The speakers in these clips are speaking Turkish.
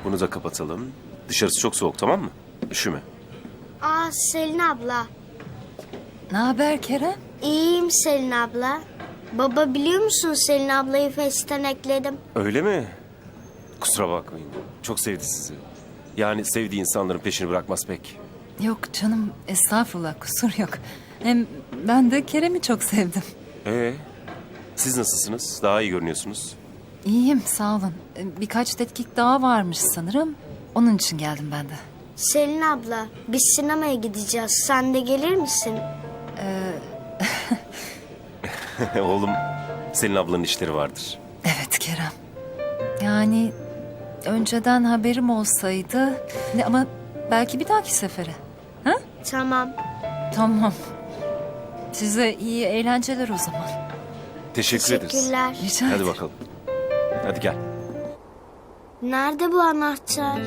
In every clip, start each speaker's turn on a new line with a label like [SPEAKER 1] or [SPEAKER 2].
[SPEAKER 1] Bunu da kapatalım. Dışarısı çok soğuk, tamam mı? Üşüme.
[SPEAKER 2] Aa, Selin abla.
[SPEAKER 3] Ne haber Kerem?
[SPEAKER 2] İyiyim Selin abla. Baba, biliyor musun, Selin ablayı Face'ten ekledim.
[SPEAKER 1] Öyle mi? Kusura bakmayın. Çok sevdi sizi. Yani sevdiği insanların peşini bırakmaz pek.
[SPEAKER 3] Yok canım, estağfurullah, kusur yok. Hem ben de Kerem'i çok sevdim.
[SPEAKER 1] Siz nasılsınız? Daha iyi görünüyorsunuz.
[SPEAKER 3] İyiyim, sağ olun. Birkaç tetkik daha varmış sanırım. Onun için geldim ben de.
[SPEAKER 2] Selin abla, biz sinemaya gideceğiz. Sen de gelir misin?
[SPEAKER 1] Oğlum, senin ablanın işleri vardır.
[SPEAKER 3] Evet Kerem. Yani önceden haberim olsaydı... Ama belki bir dahaki sefere. Ha?
[SPEAKER 2] Tamam.
[SPEAKER 3] Tamam. Size iyi eğlenceler o zaman.
[SPEAKER 1] Teşekkür ederiz.
[SPEAKER 2] Teşekkürler.
[SPEAKER 3] Rica ederim.
[SPEAKER 1] Hadi bakalım. Hadi gel.
[SPEAKER 2] Nerede bu anahtar?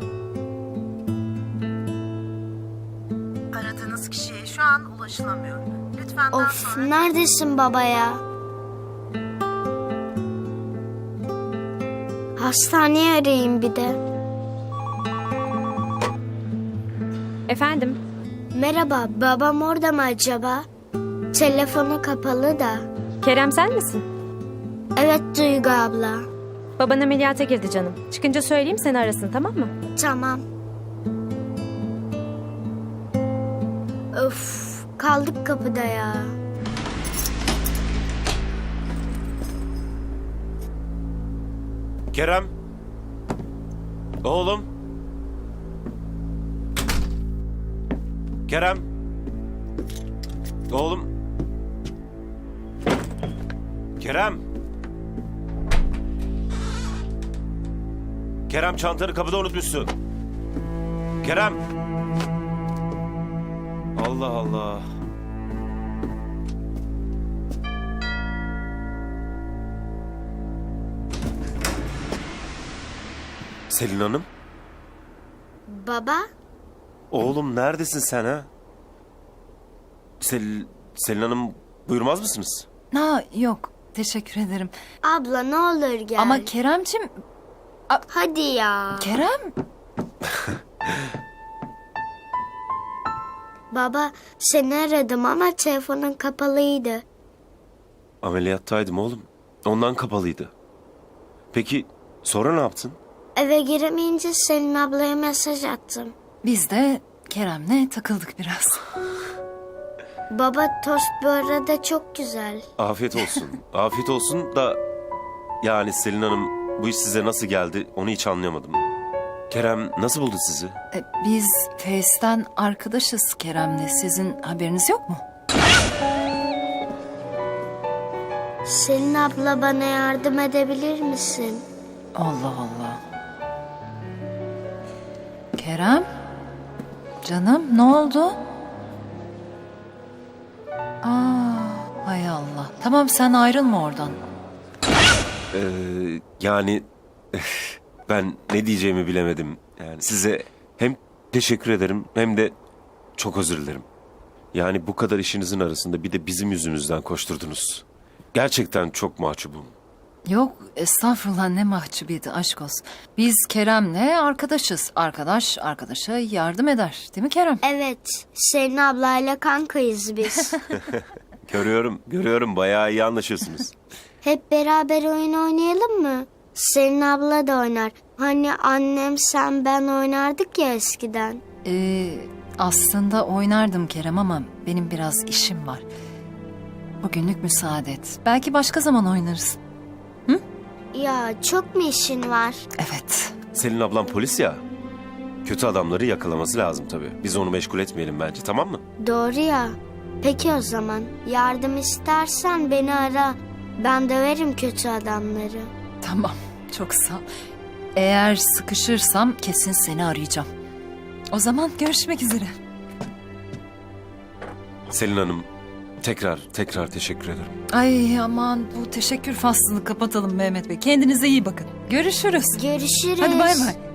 [SPEAKER 4] Aradığınız kişiye şu an ulaşılamıyor. Lütfen daha
[SPEAKER 2] Of,
[SPEAKER 4] sonra...
[SPEAKER 2] neredesin baba ya? Hastaneye arayayım bir de.
[SPEAKER 5] Efendim?
[SPEAKER 2] Merhaba, babam orada mı acaba? Telefonu kapalı da.
[SPEAKER 5] Kerem sen misin?
[SPEAKER 2] Evet Duygu abla.
[SPEAKER 5] Baban ameliyata girdi canım. Çıkınca söyleyeyim seni arasın, tamam mı?
[SPEAKER 2] Tamam. Öf, kaldık kapıda ya.
[SPEAKER 1] Kerem. Oğlum. Kerem. Oğlum. Kerem. Kerem, çantanı kapıda unutmuşsun. Kerem. Allah Allah. Selin Hanım.
[SPEAKER 2] Baba,
[SPEAKER 1] Oğlum, neredesin sen ha? Selin Hanım, buyurmaz mısınız?
[SPEAKER 3] Ha, yok, teşekkür ederim.
[SPEAKER 2] abla ne olur gel.
[SPEAKER 3] Ama Kerem'cim...
[SPEAKER 2] Hadi ya.
[SPEAKER 3] Kerem...
[SPEAKER 2] Baba, seni aradım ama telefonun kapalıydı.
[SPEAKER 1] Ameliyattaydım oğlum. Ondan kapalıydı. Peki sonra ne yaptın?
[SPEAKER 2] Eve giremeyince Selin ablaya mesaj attım.
[SPEAKER 3] Biz de Kerem'le takıldık biraz.
[SPEAKER 2] Baba, tost bu arada çok güzel.
[SPEAKER 1] Afiyet olsun. Afiyet olsun da yani Selin Hanım, bu iş size nasıl geldi onu hiç anlayamadım. Kerem nasıl buldu sizi?
[SPEAKER 3] Biz Face'ten arkadaşız Kerem'le. Sizin haberiniz yok mu?
[SPEAKER 2] Selin abla, bana yardım edebilir misin?
[SPEAKER 3] Allah Allah. Kerem? Canım, ne oldu? Hay Allah. Tamam, sen ayrılma oradan.
[SPEAKER 1] Yani ben ne diyeceğimi bilemedim. Yani size hem teşekkür ederim hem de çok özür dilerim. Yani bu kadar işinizin arasında bir de bizim yüzümüzden koşturdunuz. Gerçekten çok mahcubum.
[SPEAKER 3] Yok, estağfurullah, ne mahcubiyeti, aşk olsun. Biz Kerem'le arkadaşız. Arkadaş arkadaşa yardım eder. Değil mi Kerem?
[SPEAKER 2] Evet, Selin ablayla kankayız biz.
[SPEAKER 1] Görüyorum bayağı iyi anlaşıyorsunuz.
[SPEAKER 2] Hep beraber oyun oynayalım mı? Selin abla da oynar. Hani annem, sen, ben oynardık ya eskiden.
[SPEAKER 3] Aslında oynardım Kerem ama benim biraz işim var. Bugünlük müsaade et. Belki başka zaman oynarız.
[SPEAKER 2] Ya, çok mu işin var?
[SPEAKER 3] Evet.
[SPEAKER 1] Selin ablam polis ya. Kötü adamları yakalaması lazım tabii. Biz onu meşgul etmeyelim bence, tamam mı?
[SPEAKER 2] Doğru ya. Peki o zaman, yardım istersen beni ara. Ben döverim kötü adamları.
[SPEAKER 3] Tamam. Çok sağ ol. Eğer sıkışırsam kesin seni arayacağım. O zaman görüşmek üzere.
[SPEAKER 1] Selin Hanım, tekrar teşekkür ederim.
[SPEAKER 3] Ay aman, bu teşekkür faslını kapatalım Mehmet Bey. Kendinize iyi bakın. Görüşürüz.
[SPEAKER 2] Görüşürüz.
[SPEAKER 3] Hadi bay bay.